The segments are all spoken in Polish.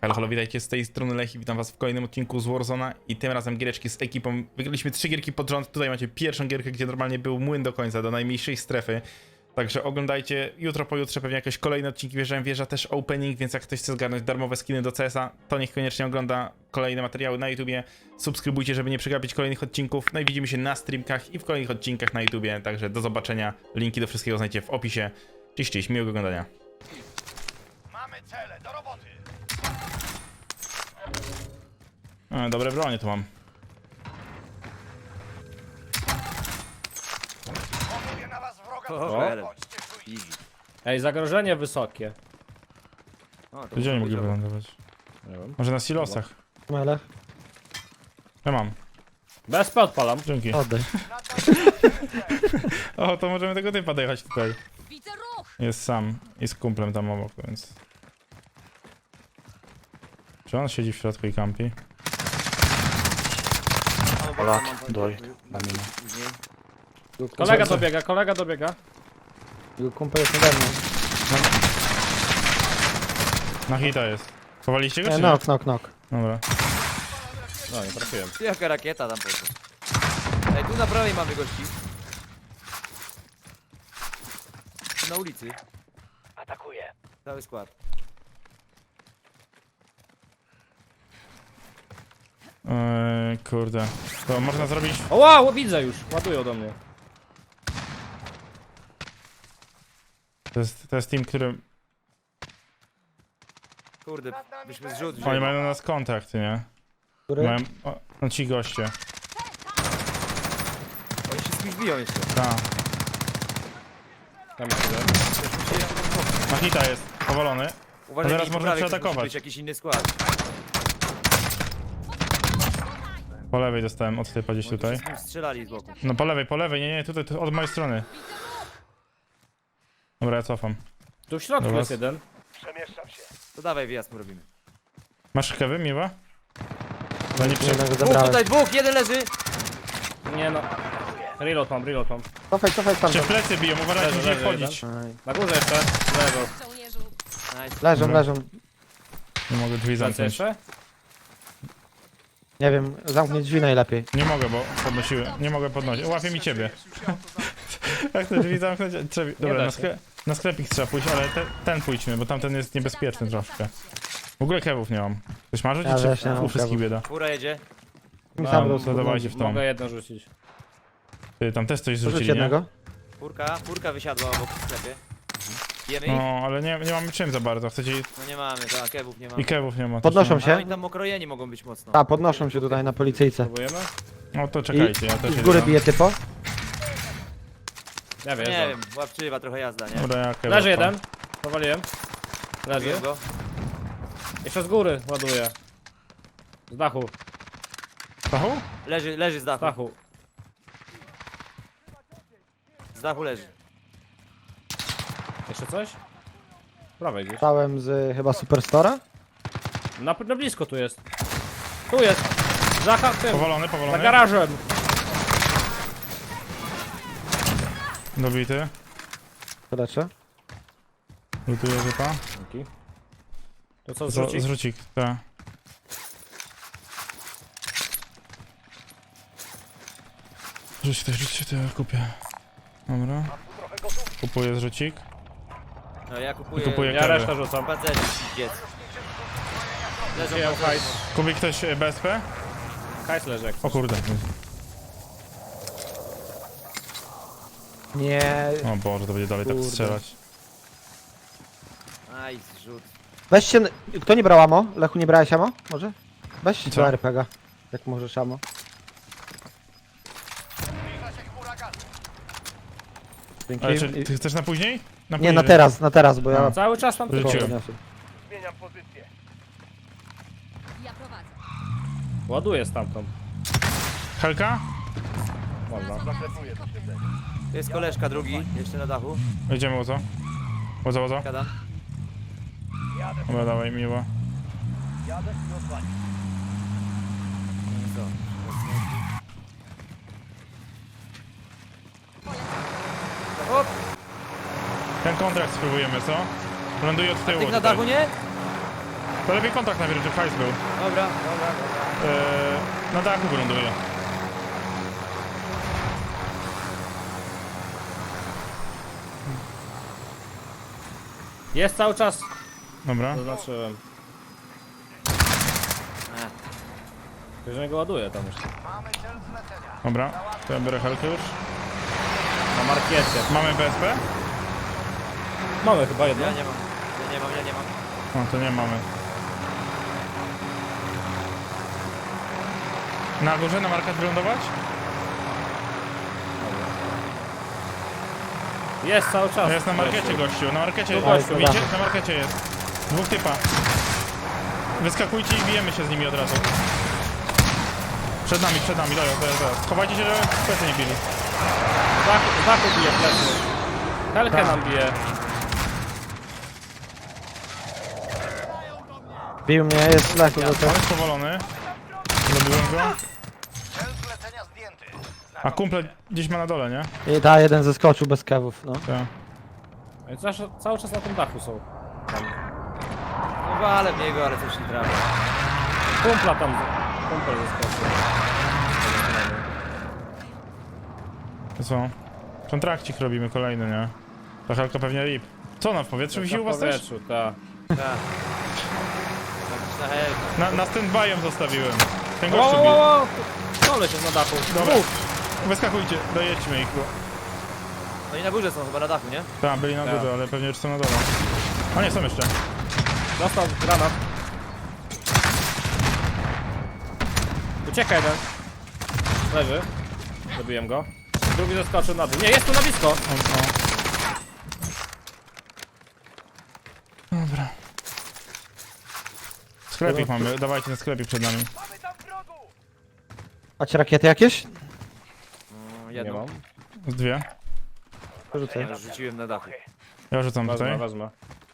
Halo, halo, witajcie z tej strony Lech i witam was w kolejnym odcinku z Warzona i tym razem giereczki z ekipą. Wygraliśmy 3 gierki pod rząd, tutaj macie pierwszą gierkę, gdzie normalnie był młyn do końca, do najmniejszej strefy. Także oglądajcie, jutro, pojutrze pewnie jakieś kolejne odcinki, wjeżdża też opening, więc jak ktoś chce zgarnąć darmowe skiny do CS-a, to niech koniecznie ogląda kolejne materiały na YouTubie. Subskrybujcie, żeby nie przegapić kolejnych odcinków, no i widzimy się na streamkach i w kolejnych odcinkach na YouTubie, także do zobaczenia, linki do wszystkiego znajdziecie w opisie. Cześć, miłego oglądania. Mamy cele, do roboty! Dobre bronie tu mam. Poluję na was wroga, O. bądźcie czujni. Easy. Ej, zagrożenie wysokie. O, to Gdzie oni mogli powiedziałem. wylądować? Nie wiem. Może na silosach? Mele, Ja mam. BSP odpalam. Dzięki. oddaj. O, to możemy tego typa dojechać tutaj. Widzę ruch! Jest sam i z kumplem tam obok, więc... Czy on siedzi w środku i kampi? Polak, doj, na minę. Później. Kolega dobiega. Jego kumpel jest nade mną. Na hita jest. Chowaliście go czy nie? Knock. Dobra. No, nie trafiłem. Jaka rakieta tam poszła. Ej, tu na prawej mamy gości. Tu na ulicy. Atakuję. Cały skład. Kurde. To można zrobić... O wow, widzę już. Ładują do mnie. To jest team, który... Kurde, byśmy zrzut Oni mają na nas kontakt, nie? Który? Mają... O, no ci goście. Oni się z kimś biją jeszcze. Ta. Tam jest jeden. Na hita jest. Powalony. Uważaj, teraz mi po można prawej ktoś przeatakować. musi być jakiś inny skład. Po lewej dostałem od typa gdzieś Oni tutaj. się z kim strzelali z boku. No po lewej, nie, tutaj, tu, od mojej strony. Dobra, ja cofam. Tu w środku Dobra. jest jeden. Przemieszczam się. To dawaj wyjazd mu robimy. Masz kewy, miła? No nie przy... Jednego Dwóch zabrałem. tutaj, dwóch, jeden leży. Nie no. Reload mam. Cofaj tam. Czy plecy biją, uważajcie, Leży, musicie leży, wchodzić. Na górze jeszcze. Lewo. Żołnierzu! Nice. Leżą. Nie mogę drzwi Plecy zamknąć. jeszcze? Nie wiem, zamknij drzwi najlepiej. Nie mogę, bo podnosiły. Nie mogę podnosić. Łapie mi ciebie. Jak te drzwi zamknąć? Dobra, da na, się. na sklepik trzeba pójść, ale ten pójdźmy, bo tamten jest niebezpieczny troszkę. W ogóle kewów nie mam. Ktoś ma rzucić, Ja czy też nie mam u wszystkich kewów. bieda? Fura jedzie. Mi No, sam to rozsług. dawajcie w tą. Mogę jedno rzucić. Ty, tam też coś Rzuć zrzucili, nie? jednego. Furka wysiadła obok w sklepie. Jemy ich? No, ale nie mamy czym za bardzo. Chcecie... No nie mamy, tak, kebów nie mamy. I kewów nie ma. też Podnoszą nie się. A oni tam okrojeni mogą być mocno. A, podnoszą się tutaj na policyjce. Próbujemy? ma. No to I, czekajcie, ja też i z jedę góry tam. bije typo. Ja wiem. Nie wiem, łapczywa trochę jazda, nie? Dobra, ja kewa Leży odpalam. jeden. Powaliłem. Leży. Zabiłem go. Jeszcze z góry ładuję. Z dachu. Stachu? Leży z Z dachu. dachu. Z dachu leży. Jeszcze coś? Prawej gdzieś. Stałem z chyba Superstora. Na blisko tu jest. Tu jest. Za tym. Powalony. Za garażem. Dobity. Leczę. Lutuję typa. Dzięki. To co, zrzucić? Zrzucik, tak. Rzuć to ja kupię. Dobra. Kupuję zrzucik. No ja kupuję. I kupuję Ja kewy. resztę rzucam. Pancerz, dziec. Leżą Wziąłem pancerze. hajs. Kupi ktoś BSP? Hajs leży jak O kurde. Nie. O Boże, to będzie dalej tak Kurde. strzelać. Aj, zrzut. Weźcie. Kto nie brał amo? Lechu, nie brałeś amo? Może? Weź Co? do RPG. Jak możesz amo. Zbliża się huragan. Dzięki. Ale czy ty chcesz na później? Nie, później. na teraz, bo ja... Cały czas tam tylko. Rzuciłem. podniosę. Zmieniam pozycję. Ja prowadzę. Ładuję stamtąd. Helka? Można. Zaklepuję to siedzenie. To jest koleżka drugi, jeszcze na dachu. Jedziemy łozo. Łozo. Gadam. Jadę, Dobra, dawaj, miło. jadę i odwalić. Co? Hop! Ten kontrakt spróbujemy, co? Ląduje od tyłu Tych na tutaj. dachu nie? To lepiej kontakt najpierw, żeby hajs był. Dobra. Na dachu wyląduje. Jest cały czas. Dobra. Zaznaczyłem. Że go ładuje tam już. Dobra. To ja biorę helkę już. Na markiecie. Mamy BSP? Mamy chyba jedno. Ja nie mam. No to nie mamy. Na górze, na markach wylądować? Jest cały czas. Jest na markecie gościu, na markecie jest Tu gościu, gościu, widzicie? Na markecie jest. Dwóch typa. Wyskakujcie i bijemy się z nimi od razu. Przed nami, zaraz. Chowajcie się, żeby plecy nie bili. Z dachu bije plecy. Helkę nam bije. Bił mnie, jest Lechu do On tego. jest powolony. Zrobiłem go. A kumple gdzieś ma na dole, nie? I ta jeden zeskoczył bez kewów, no. Tak. Oni cały czas na tym dachu są. No walę w niego, ale coś nie trafi. Kumpla tam. Kumpel zeskoczył. To co? Kontrakcik robimy kolejny, nie? Ta helka pewnie rip. Co ona w powietrzu wisi u was też? Tak. Tak. Na helkę. Na stand-by'em zostawiłem. Ten Wow, gościu wow, bił. wow. Koleś jest na dachu. Dobra. Wyskakujcie, dojedźmy ich. No i na górze są chyba na dachu, nie? Tak, byli na Tak. górze, ale pewnie już są na dole. A nie, są jeszcze. Dostał granat. Ucieka jeden. Leży. Zabiłem go. Drugi zeskoczył na dół. Nie, jest tu na blisko. Dobra. Sklepik mamy, dawajcie ten sklepik przed nami. Mamy tam wrogu! Macie rakiety jakieś? No, Nie jedną. mam. Z dwie. Rzucę. Ja rzuciłem na dachu. Ja rzucam tutaj. Wezmę.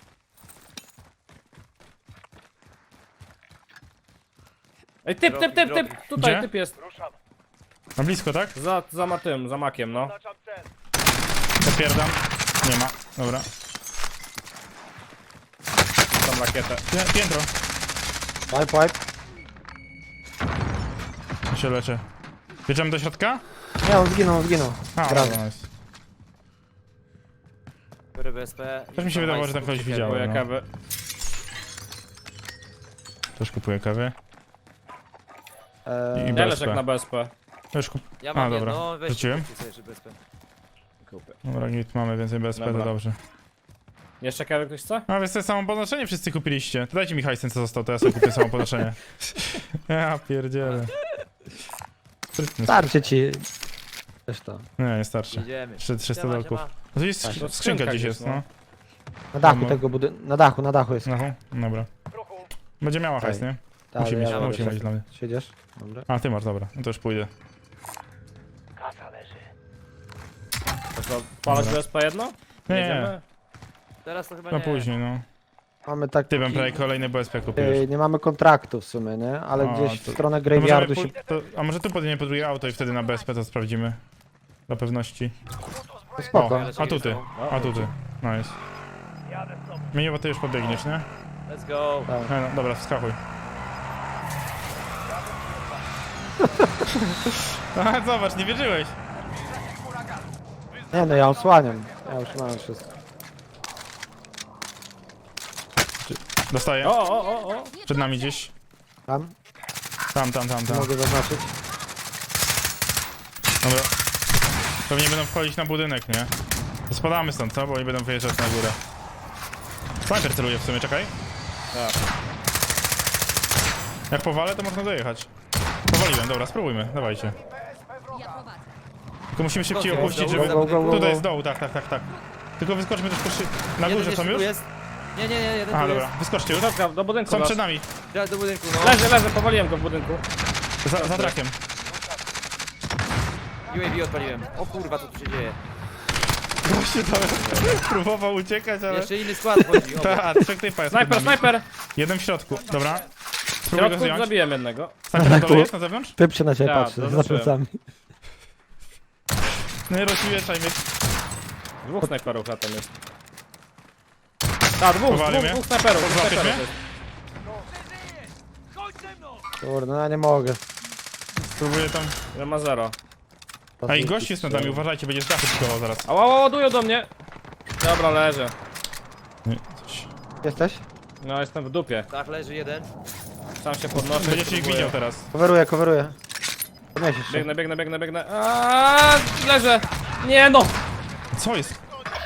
Ej, typ! Tutaj Gdzie? typ jest. Ruszam. Na blisko, tak? Za makiem, no. Oznaczam cel. Zapierdam. Nie ma. Dobra. Tam rakietę. Piętro. Wipe. Ja się leczę. Bierzemy do środka? Nie, on zginął. A, Brawo. dobra, nice. Biorę BSP. Też mi się wydawało, że tam kogoś widziałem. Kupuję No. kawę. Też kupuję kawy. I Eee, Deleczek BSP. na BSP. Już kup... Ja mam A, dobra. jedno, weź Rzuciłem? kupcie sobie jeszcze BSP. Kupię. Dobra, git, mamy więcej BSP, to Dobra. dobrze. Jeszcze kawę ktoś chce? A więc to samo podnoszenie wszyscy kupiliście. To dajcie mi hajs, co został, to ja sobie kupię samo podnoszenie. Ja pierdzielę. Sprytny. starczy ci. Też to. Nie, nie starczy. Idziemy. 300 Siema, dolków. siema. No to jest Tak. skrzynka Skrzynka gdzieś gdzieś, jest, no. Na dachu Tam- tego budynku. Na dachu jest. No, dobra. W ruchu. Będzie miała hajs, nie? Tak, Musi mieć, ja musi mogę mieć dla mnie. Siedziesz? Dobra. A, ty masz, dobra. No to już pójdę. Kasa leży. To co, palać Dobra. BSP jedno? Nie, Jedziemy? Teraz to chyba no nie. później, no. Mamy tak. Ty bym prawie kolejny BSP kupiłeś. Nie mamy kontraktu w sumie, nie? Ale O, gdzieś to- w stronę To możemy graveyardu się. a może tu podjemy po drugie auto i wtedy na BSP to sprawdzimy. Dla pewności. Spoko. O, a tu ty. A tu ty. Nice. Jadę z tobą. Miniowo ty już pobiegniesz, nie? Let's go. No, dobra, wskakuj. A, zobacz, nie wierzyłeś. Nie no, ja osłaniam. Ja już mam wszystko. Dostaję. O! Przed nami gdzieś. Tam? Tam. Mogę zaznaczyć. Dobra. Pewnie będą wchodzić na budynek, nie? To spadamy stąd, co? Bo oni będą wyjeżdżać na górę. Sniper celuje w sumie, czekaj. Tak. Jak powalę, to można dojechać. Powaliłem, dobra, spróbujmy, dawajcie. Ja prowadzę. Tylko musimy szybciej Go, opuścić, go, żeby... go, go, go. Tutaj jest dołu, tak. Tylko wyskoczmy troszkę Na Jeden górze jeszcze są tu już? jest. Nie, jeden A, tu dobra, jest. wyskoczcie już. Dobra, do budynku Są dasz. przed nami, Teraz do budynku, no. Leży, powaliłem go w budynku. za trakiem. UAV odpaliłem. O kurwa, co tu się dzieje? Gościu tam próbował uciekać, ale... Jeszcze inny skład chodzi. O, Ta, trzech typa jest przed nami. Snajper! Jeden w środku, dobra. W Spróbuj go środku zdjąć. zabiłem jednego. Snajper na dole jest, na zewnątrz? Typ się na ciebie Tak, patrzy, za zaznaczyłem. plecami. Nie rozśmieszaj mnie. Dwóch snajperów na tym jest. Tak, Powali mnie? dwóch snajperów. Złapiesz mnie? jest. Kurde, no ja nie mogę. Spróbuję tam... Ja ma 0. A i gość jest nad nami, uważajcie, będzie z dachu pikował zaraz. Ała, ładują do mnie. Dobra, leżę. Nie, coś... Jesteś? No, jestem w dupie. Tak, leży jeden. Sam się podnoszę. Będziecie ich próbuję. widział teraz. Coveruję. Podniesiesz się. Biegnę. Aaaa, leżę. Nie no. Co jest?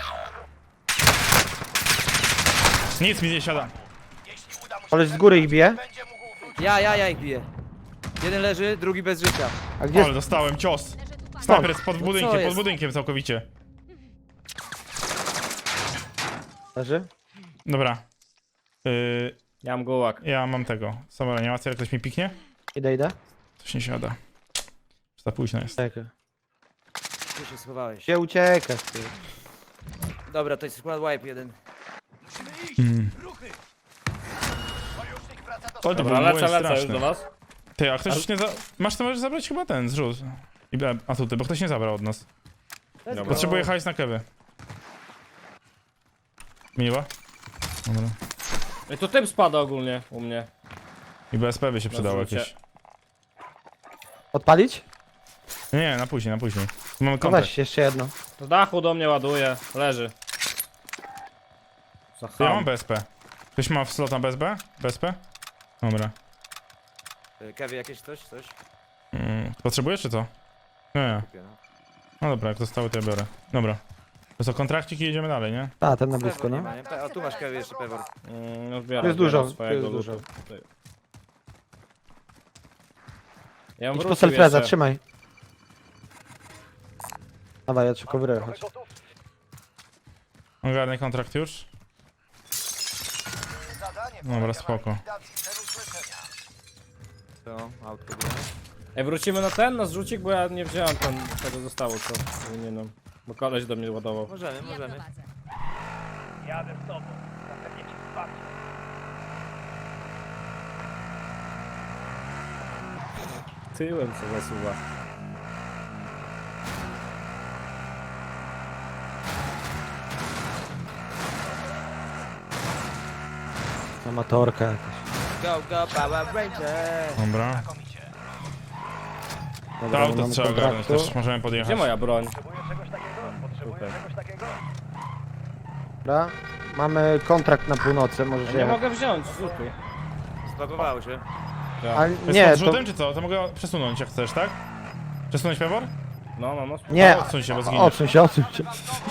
Nic mi nie siada. Koleś z góry ich bije. Ja ich biję. Jeden leży, drugi bez życia. A gdzie Ale dostałem cios. Leży tu pan. Sniper jest pod co budynkiem, jest? pod budynkiem całkowicie. leży? Dobra. Ja mam gułak. Ja mam tego. Sama reanimacja, jak ktoś mi piknie? Idę. Coś nie siada. Za późno jest. Czekaj. Tu się schowałeś. Gdzie uciekasz, ty? Dobra, to jest skład wipe jeden. O, to Dobra, był lecę już straszny. do was. Ty, a ktoś nie za... Masz to możesz zabrać chyba ten zrzut. A tutaj, bo ktoś nie zabrał od nas. Dobra. Potrzebuję hajs na kewy. Miła? Dobra. I to typ spada ogólnie u mnie. I BSP by się przydało zrzucie. jakieś. Odpalić? Nie, na później. Mamy No kontakt. weź jeszcze jedno. Z dachu do mnie ładuje. Leży. Za To ja ham. mam BSP. Ktoś ma w slot na BSP? BSP? Dobra. Kewy jakieś coś? Potrzebujesz czy co? Nie. Kupię, no. No dobra, jak zostały to ja biorę. Dobra. To co, kontrakcik i jedziemy dalej, nie? A, ten na blisko, Pewor nie no. ma, nie? O, tu masz kewy jeszcze pewor. No zbieram, Tu jest dużo, zbieram swojego tu jest lootu. Ja bym Idź po wrócił selfreza, jeszcze. trzymaj. Dawaj, ja cię coveruję, chodź. Ogarnij kontrakt już. Dobra, spoko. To, autko było. Ej, wrócimy na ten, na zrzucik, bo ja nie wziąłem tego zostało, co powinienem. Bo koleś do mnie ładował. Możemy. Ja prowadzę. Jadę z tobą. Zapewnię ci wsparcie. Tyłem co zasuwa. Amatorka jakaś. Go, Power Ranger! Dobra. To Dobra, auto mamy trzeba ogarnąć kontraktu. też, możemy podjechać. Gdzie moja broń? Potrzebuję czegoś takiego? Potrzebuję Tutaj. czegoś takiego? Dobra. Mamy kontrakt na północy, możesz Ja nie jechać. mogę wziąć zrzutu. Zbagowało się. A Jest nie, pod to... rzutem czy co? To mogę przesunąć jak chcesz, tak? Przesunąć pewor? No. Nie, Odsuń się, bo zginiesz. odsuń się.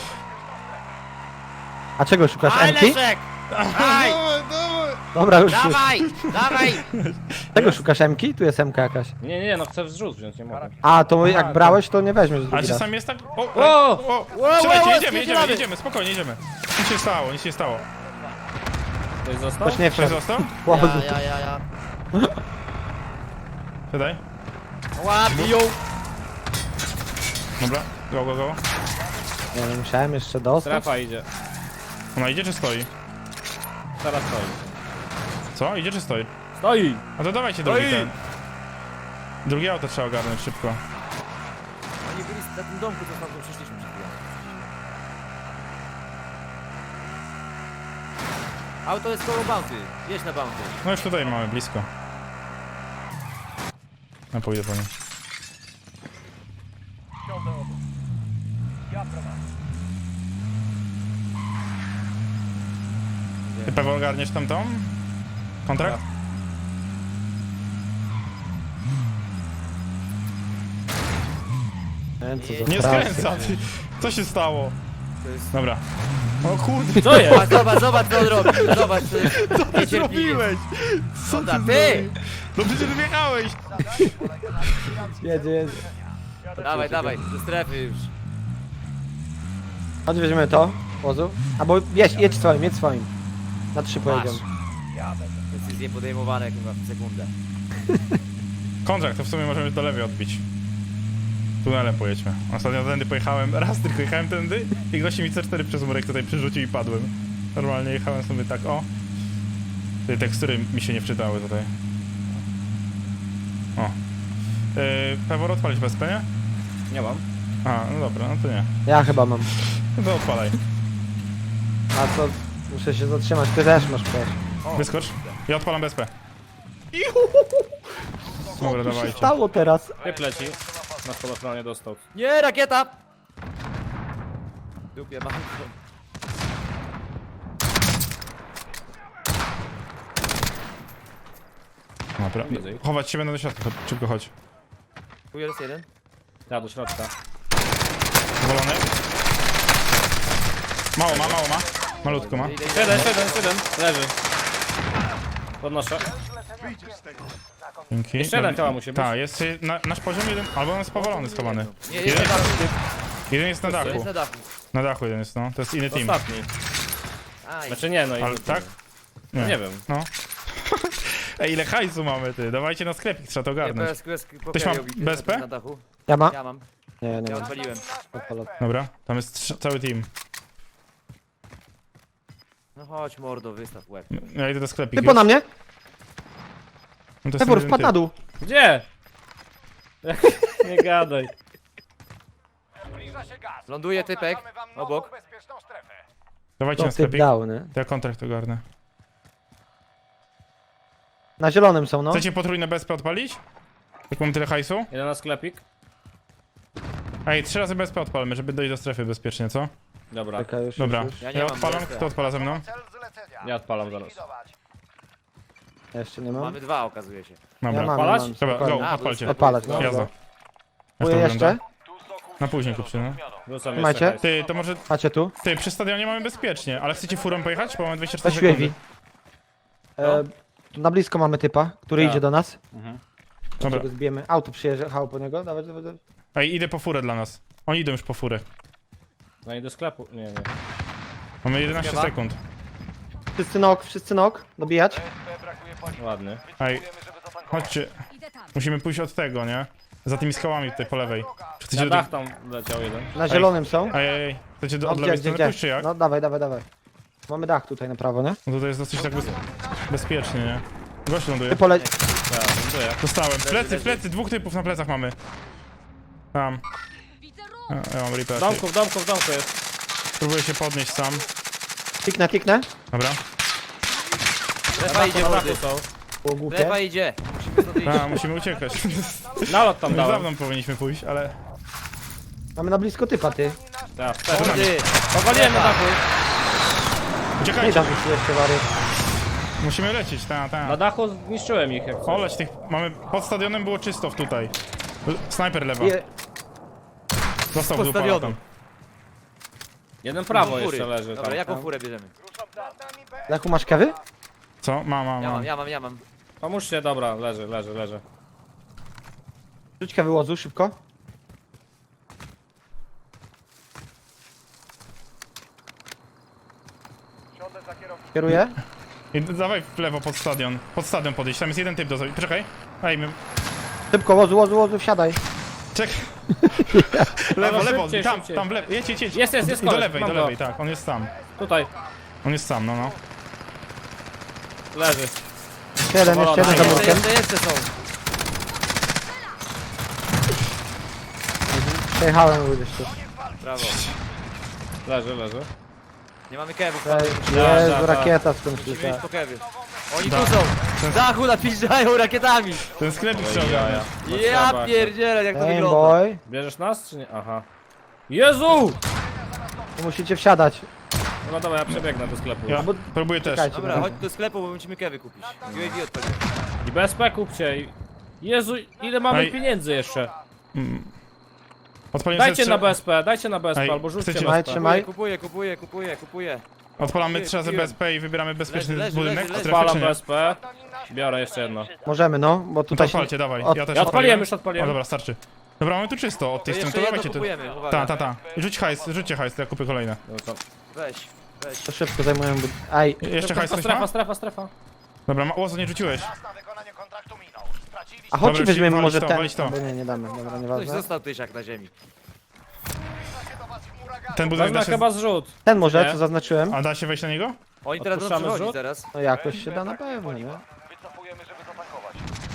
A czego szukasz, Emki? Leszek! Aj! Dobra, już. Dawaj! Czego szukasz, Emki? Tu jest Emka jakaś. Nie, no chcę zrzut wziąć, nie mogę. A, to jak brałeś, to nie weźmiesz Ale drugi raz. czasami jest tak... O! O! Strzelajcie, jedziemy, spierdzielamy. jedziemy, spokojnie, jedziemy. Nic się stało, nic się stało. Ktoś został? Ktoś nie Ktoś wszedł. został? Łozu. Ja. Wydaj. Łapią! Dobra, go. Ja nie musiałem jeszcze dostać. Strefa idzie. Ona idzie czy stoi? Teraz stoi. Co? Idzie czy stoi? Stoi! A to dawajcie drugi ten. Drugie auto trzeba ogarnąć szybko. Oni byli na tym domku, co tam przyszliśmy przed chwilą. Auto jest koło bounty. Jedź na bounty. No już tutaj mamy, blisko. Ja pójdę po nim. Ciągnę obok. Ja prowadzę. Ty pewnie ogarniesz tamtą? Kontrakt? Co za Nie frajka. skręca, ty. Co się stało? To jest... Dobra. O kurde, Co jest? Zobacz co on robi. Zobacz, to jest niecierpliwie. zrobiłeś? Co Dobra, ty! No przecież wjechałeś! Jedzie. Dawaj, do strefy już. Chodź, weźmiemy to. Wozu. Albo jedź swoim. Na 3 pojedziemy. Decyzje podejmowane chyba w sekundę. Kontrakt, to w sumie możemy do lewej odbić. Tunelem pojedźmy. Ostatnio tędy pojechałem, raz tylko jechałem tędy i gości mi C4 przez murek tutaj przerzucił i padłem. Normalnie jechałem sobie tak, o. Te tekstury mi się nie wczytały tutaj. O. Pewor odpalić BSP, nie? Nie mam. A, no dobra, no to nie. Ja chyba mam. No to odpalaj. A co? Muszę się zatrzymać. Ty też masz przecież. Wyskocz. Ja odpalam BSP. Dobra, Co się dawajcie. stało teraz? Typ leci. Na spadochronie dostał. Nie, rakieta! Dupie mam. Dobra. Chować się będę do środka, szybko chodź. Tu jest jeden. Ja do środka. Powolony. Mało ma. Malutko ma. Idę. 7. Leży. Podnoszę. Dzięki. Jeszcze jeden chyba musi być. Tak, jest nasz poziom jeden, albo on jest powalony, schowany. Nie, jest na dachu. Jeden jest na To dachu. jest na dachu. Na dachu jeden jest, no. To jest inny team. Ostatni. Aj. Znaczy nie, no i... Ale tak? Nie wiem. No. Ej, ile hajsu mamy, ty? Dawajcie na sklepik, trzeba to Nie, ogarnąć. Ktoś ma BSP? Na dachu. Ja ma? Ja mam. Nie, nie Ja mam. odpaliłem. Odpalę. Dobra, tam jest cały team. No chodź mordo, wystaw łeb. Ja idę do sklepiku. Typo na mnie! No to jest Pewor, jeden wpadł typ. na dół! Gdzie? Nie gadaj. Zbliża się gaz. Ląduje typek. Mamy wam Obok. nową bezpieczną strefę. Dawajcie To na typ sklepik. dał, nie? To ja kontrakt ogarnę. Na zielonym są, no. Chcecie potrójne BSP odpalić? Jak mamy tyle hajsu? Jeden na sklepik. Ej, 3 razy BSP odpalmy, żeby dojść do strefy bezpiecznie, co? Dobra. Czekaj, już, Dobra. już. Ja nie Ja mam odpalam, BSP. kto odpala ze mną? Cel zlecenia. Ja odpalam zaraz. Likwidować. Ja jeszcze nie mam. Mamy dwa, okazuje się. Dobra. Ja mam, Odpalać? mam. Dobra, spokojnie. go, A, odpalcie. Odpalać, no. Jazda. Kupuję Jak to jeszcze. wygląda? Na później kupcie, no. Wrzucam Trzymajcie. jeszcze hajs. Ty, to może... Macie tu. Ty, przy stadionie mamy bezpiecznie, ale chcecie furą pojechać? Bo mamy 24 Weź sekundy. UAV. Tu na blisko mamy typa, który Tak. idzie do nas. Dobra. Go zbijemy. Auto przyjeżdżało po niego. Dawaj, dawaj, dawaj. Ej, idę po furę dla nas. Oni idą już po furę. No i do sklepu. Nie. Mamy 11 Chyba. sekund. Wszyscy nok. Dobijać. BSP brakuje paliwa. Ładny. Ej, Wiemy, żeby zatankować. chodźcie. Idę tam. Musimy pójść od tego, nie? Za tymi skałami tutaj po lewej. Czy chcecie Na do dach tych... tam leciał jeden. Na zielonym są. Ej. Chcecie No, od lewej strony pójść, czy jak? No dawaj, dawaj, dawaj. Mamy dach tutaj na prawo, nie? No to jest dosyć tak bezpiecznie, nie? Gość ląduje. Ty poleć. Tak, ląduje. Dostałem. leży. Plecy, dwóch typów na plecach mamy. Tam. Widzę A, ruch. ja mam reaper. W domku jest. Próbuję się podnieść sam. Kliknę. Dobra. Lewa idzie Na mordy. dachu są. Było głupie. Lewa idzie. Musimy stąd iść. A, musimy uciekać. Nalot tam Już dałem. dawno powinniśmy pójść, ale... Mamy na blisko typa, ty. Tak, wtedy. Mordy. Powaliłem na dachu. Nie Uciekajcie. dam już jeszcze wary. Musimy lecieć, Na ta. dachu zniszczyłem ich jak coś. Oleć tych... Mamy... Pod stadionem było czysto tutaj. Snajper lewa. Został w Postawiony. tam. Jeden prawo Fury. jeszcze leży Dobra, tam. jaką furę bierzemy? Jaku masz kewy? Co? Mam. Ja mam. Pomóżcie, dobra, leży. Rzuć kewy łozu, szybko. Siądę za kierowcą. Kieruję. I dawaj w lewo pod stadion. Pod stadion podejść, tam jest jeden typ do zrobienia. Poczekaj. Ej, my... Szybko, łozu, wsiadaj. Czekaj. Dobra, lewo, szybciej, tam, szybciej. tam w lewo. Jedź. Jest I do koleś, lewej, mam do go. lewej, tak. On jest tam. Tutaj. On jest sam, no. Leży. Jeden, jeszcze jeden za murkiem. Jeszcze są. Przejechałem jeszcze. Brawo. Leży. Nie mamy kewów. Jezu, rakieta skąd Musimy przyjechała. iść po kewy. Oni tu są. Z dachu napizdają rakietami. Ten sklepik Oj, trzeba ogarnąć. jaja. Ja Potrzeba. pierdzielę, jak to Game wygląda. boy. Bierzesz nas czy nie? Aha. Jezu! Tu musicie wsiadać. No dobra, ja przebiegnę do sklepu. Ja próbuję też. Czekajcie. Dobra, chodź do sklepu, bo musimy kewy kupić. UAV odpalimy. I BSP kupcie. Jezu, ile mamy Ej. pieniędzy jeszcze? Odpalimy Dajcie sobie na trzy- BSP, Ej, albo rzućcie chcecie- BSP. Trzymaj. Kupuję. Odpalamy 3 razy BSP i wybieramy bezpieczny Leży, budynek. leży. strefy, Odpalam czy nie? BSP. Biorę jeszcze jedno. Możemy, no, bo No to tutaj odpalcie, dawaj. Od- Ja też Ja odpaliłem, O już odpaliłem. dobra, starczy. Dobra, mamy tu czysto od tej To strony, jeszcze to jedno dawajcie tu. kupujemy, uwaga. Ta. Rzućcie hajs, to ja kupię kolejne. No to... Weź. to szybko zajmują. Ej, Jeszcze hajs ktoś ma? Strefa. Dobra, łozo nie rzuciłeś. Czas na wykonanie kontraktu minął. Straciliśmy a chodźcie Dobra, weźmiemy walić może to, ten. walić to. Albo nie damy, dobra, Ktoś nieważne. został tysiak na ziemi. do was huragan. Ten budynek Wezmę da się... chyba zrzut. Ten może, Nie. co zaznaczyłem. A da się wejść na niego? Oni teraz będą Odpuszczamy przychodzić rzut? zaraz. No jakoś się da na pewno, nie? Wycofujemy, żeby zatankować.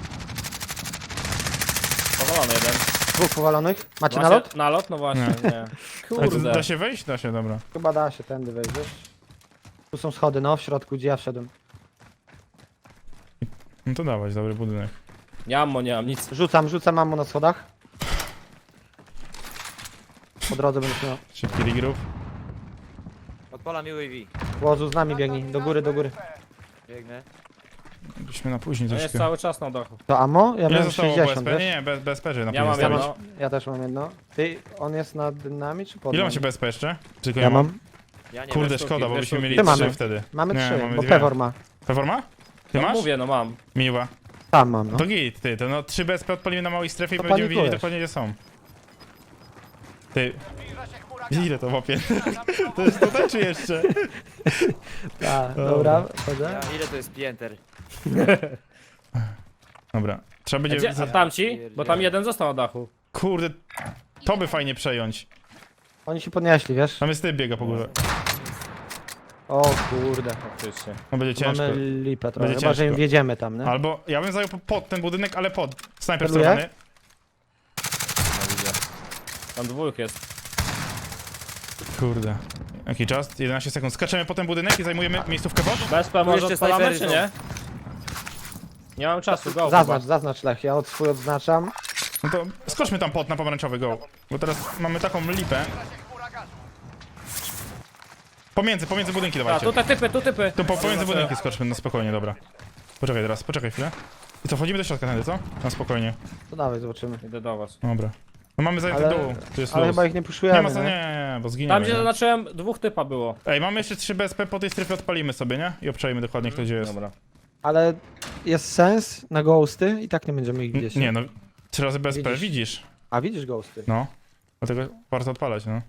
Powalony jeden. Dwóch powalonych. Macie Właśnie- nalot? Nalot? No właśnie, nie. Ale to Kurde. da się wejść? Da się, dobra. Chyba da się, tędy wejdziesz. Tu są schody, no, w środku, gdzie ja wszedłem. No to dawać, dobry budynek. Nie mam nic. Rzucam ammo na schodach. Po drodze będziesz miał. Szybki regroup. Odpalam UAV. Łozu z nami biegnij, do góry. Biegnę. Byliśmy na później No jest troszkę. cały czas na dachu. To ammo? Ja Ile miałem zostało 60, BSP? wiesz? Nie, bez PG na Ja mam później jedno. stawiać. Ja też mam jedno. Ty, on jest nad nami czy pod Ile nami? macie BSP jeszcze? Tylko Ja mam. Ja nie Kurde, wiem. sztuki, szkoda, bo dwie byśmy sztuki. mieli Ty 3 mamy. wtedy. Mamy Nie, 3, mamy bo dwie. Pewor ma. Pewor ma? Ty No masz? mówię, no mam. Miła. Tam mam, no. To git, ty, to no 3 BSP odpalimy na małej strefie i To będziemy wiedzieli panikujesz. dokładnie gdzie są. Ty. Ile to łapie? To jest tutaj czy jeszcze? Tak, dobra, chodzę. Ja, ile to jest pięter? Dobra, trzeba A, będzie... gdzie, a tamci? Bo tam jeden został na dachu. Kurde, to by fajnie przejąć. Oni się podnieśli, wiesz? Tam jest typ biega po górze. O kurde. Faktycznie. No będzie ciężko. Mamy lipę trochę, Będzie chyba że im ciężko. wjedziemy tam, nie? Albo ja bym zajął pod ten budynek, ale pod. Snajper Celuję? celowany. No widzę. Tam dwóch jest. Kurde. Jaki czas? 11 sekund. Skaczemy po ten budynek i zajmujemy miejscówkę pod? BSP może jeszcze odpalamy, snajpery czy są. nie? Nie mam czasu, go. Zaznacz Lech, ja swój odznaczam. No to skoczmy tam pod na pomarańczowy, go. Bo teraz mamy taką lipę. Pomiędzy budynki A, dawajcie. tutaj typy, tu typy. Tu pomiędzy budynki skoczmy, no spokojnie, dobra. Poczekaj teraz, poczekaj chwilę. I co, wchodzimy do środka tędy, co? No spokojnie. To dawaj, zobaczymy. Idę do was. Dobra. No mamy zajęty Ale- dół, tu jest Ale luz. chyba ich nie Nie puszujemy, ma co, nie? nie, bo Tam zginiemy. gdzie nie? zaznaczyłem, dwóch typa było. Ej, mamy jeszcze 3 BSP, po tej strefie odpalimy sobie, nie? I obczajmy dokładnie kto gdzie jest. Dobra. Ale jest sens na ghosty i tak nie będziemy ich widzieć. Nie no, 3 razy BSP, Widzisz? widzisz? A widzisz ghosty? No. Dlatego warto odpalać, no.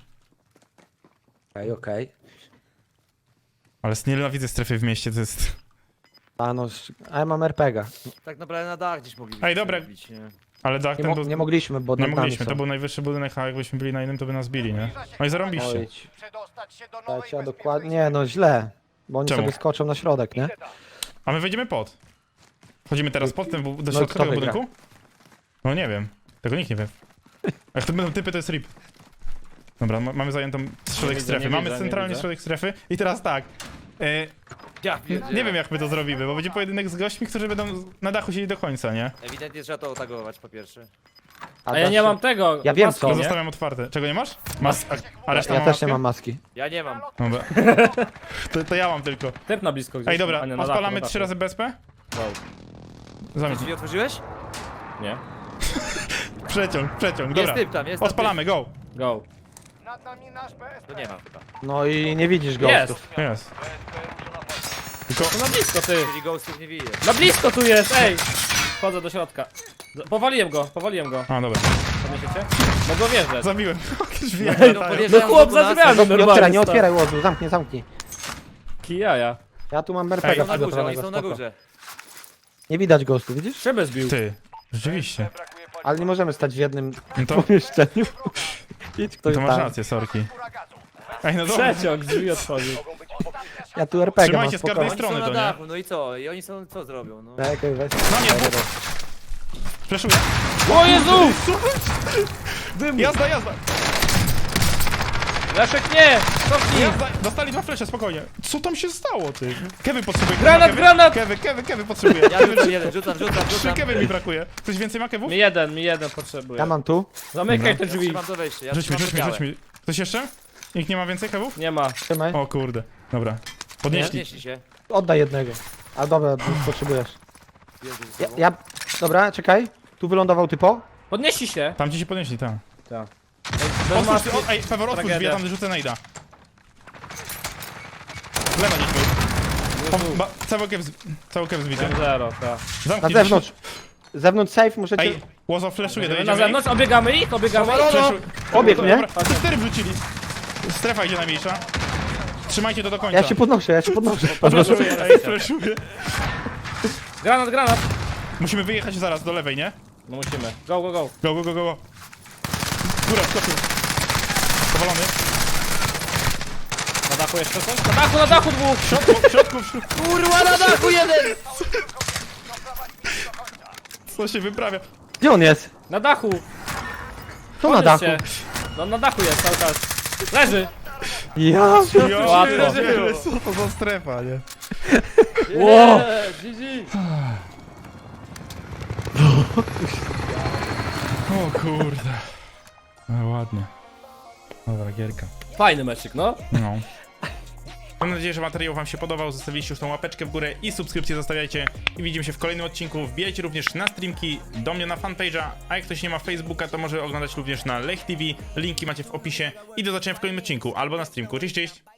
Okej. Ale nienawidzę strefy w mieście, to jest... A no, a ja mam RPGa. Tak naprawdę na dach gdzieś mogliśmy Ej, dobra. zrobić, nie? Ale dach Nie, ten był... nie mogliśmy, bo Nie nad nami mogliśmy, są. to był najwyższy budynek, a jakbyśmy byli na innym, to by nas bili, nie? No i zarąbiście. Oj, Przedostać się do tak, nowej trzeba bezpiecznej dokładnie. Nie, no źle. Bo oni Czemu? sobie skoczą na środek, nie? A my wejdziemy pod. Wchodzimy teraz pod ten, do No i środka kto tego wygra? budynku? No nie wiem. Tego nikt nie wie. Jak to będą typy, to jest RIP. Dobra, mamy zajętą środek widzę, strefy. nie Mamy widzę, nie centralnie widzę. środek strefy. I teraz tak. Ja Nie wiem jak my to zrobimy, bo będzie pojedynek z gośćmi, którzy będą na dachu siedzieli do końca, nie? Ewidentnie trzeba to otagować po pierwsze. A ja dasz nie się- mam tego. Ja wiem maski, co. To nie? zostawiam otwarte. Czego nie masz? A reszta Ja ma też maskę? nie mam maski. Ja nie mam. Dobra. To ja mam tylko. Typ na blisko gdzieś. Ej, dobra, a nie, na dachu, odpalamy na 3 razy BSP? dachu. Zamknij. Drzwi otworzyłeś? Nie. Przeciąg, dobra. Jest typ tam, jest tam Odpalamy, go! Go. Nad nami nasz BSP. typ. To nie ma chyba. No i nie widzisz Jest. ghostów. Jest. To na blisko, ty. Czyli ghostów nie widzę. Na blisko tu jest, ej! Wchodzę do środka. Powaliłem go. A, dobra. Podniesiecie? Mogę wjeżdżać. Zabiłem. Drzwi No, latają. No podjeżdżają chłop do za nas. drzwiami Nie normalnie. otwieraj, nie stał. otwieraj łozu, zamknij. Kijaja. Ja tu mam Ej, RPGa Są na górze, oni przygotowanego, są na spoko. górze. Nie widać ghostów, widzisz? Szybę zbił. Ty. Rzeczywiście. Ale nie możemy stać w jednym No to, pomieszczeniu. Idź ktoś to masz tam. rację, sorki. Ej, no dobra. Przeciąg drzwi otworzył. Ja tu RPG mam, Trzymajcie z każdej spokojnie. Oni są strony na to, nie? dachu, no i co? I oni są, co zrobią? No. Czekaj, weź. No nie, Fleszuję. O Jezu! Jazda! Leszek nie! Cofnij! Dostali 2 flesze, spokojnie. Co tam się stało, ty? Kewy potrzebuje. Granat, Kewy, granat! Kewy potrzebuje. Ja rzucam jeden, rzucam. 3 kewy mi brakuje. Ktoś więcej ma kewów? Mi jeden potrzebuje. Ja mam tu. Zamykaj te drzwi. Trzymam to wejście, ja Rzuć mi. trzymam to białe. Ktoś jeszcze? Nikt nie ma więcej kewów? Nie ma. Trzymaj. O kurde. Dobra. Podnieśli. Podnieśli się. Oddaj jednego. A dobra, potrzebujesz. Jezu, ze sobą. Dobra, czekaj. Tu wylądował typo. Podnieśli się. Tam ci się podnieśli, tak. Bez Otwórz, maski. ej, Pewor, otwórz drzwi, Tragedia. ja tam rzucę najda. Lewa niech był. Cały kew zbity. 0, tak. Na Zamknij zewnątrz. Zewnątrz safe możecie... Ej, Łozo fleszuje, Na dojedziemy. zewnątrz, obiegamy ich, obiegamy ich. Fleszuj. Obieg, nie? Dobra, te 4 wrzucili. Strefa idzie najmniejsza. Trzymajcie to do końca. Ja się podnoszę. Fleszuję, ej, fleszuję. Granat. Musimy wyjechać zaraz do lewej, nie? No musimy. Go. Go. Góra, skoczył. Powalony. Na dachu jeszcze coś? Na dachu dwóch! W środku. Kurwa, na dachu jeden! Co się wyprawia? Gdzie on jest? Na dachu! Tu na dachu. Podnieś się. No na dachu jest cały czas. Leży! Ja... Łatwo. Co to za strefa, nie? Ło! GG! O kurde. No ładnie. Dobra, gierka. Fajny meczyk, no. No. Mam nadzieję, że materiał wam się podobał. Zostawiliście już tą łapeczkę w górę i subskrypcję zostawiajcie. I widzimy się w kolejnym odcinku. Wbijajcie również na streamki, do mnie na fanpage'a. A jak ktoś nie ma Facebooka, to może oglądać również na Lech TV. Linki macie w opisie. I do zobaczenia w kolejnym odcinku albo na streamku. Cześć, cześć!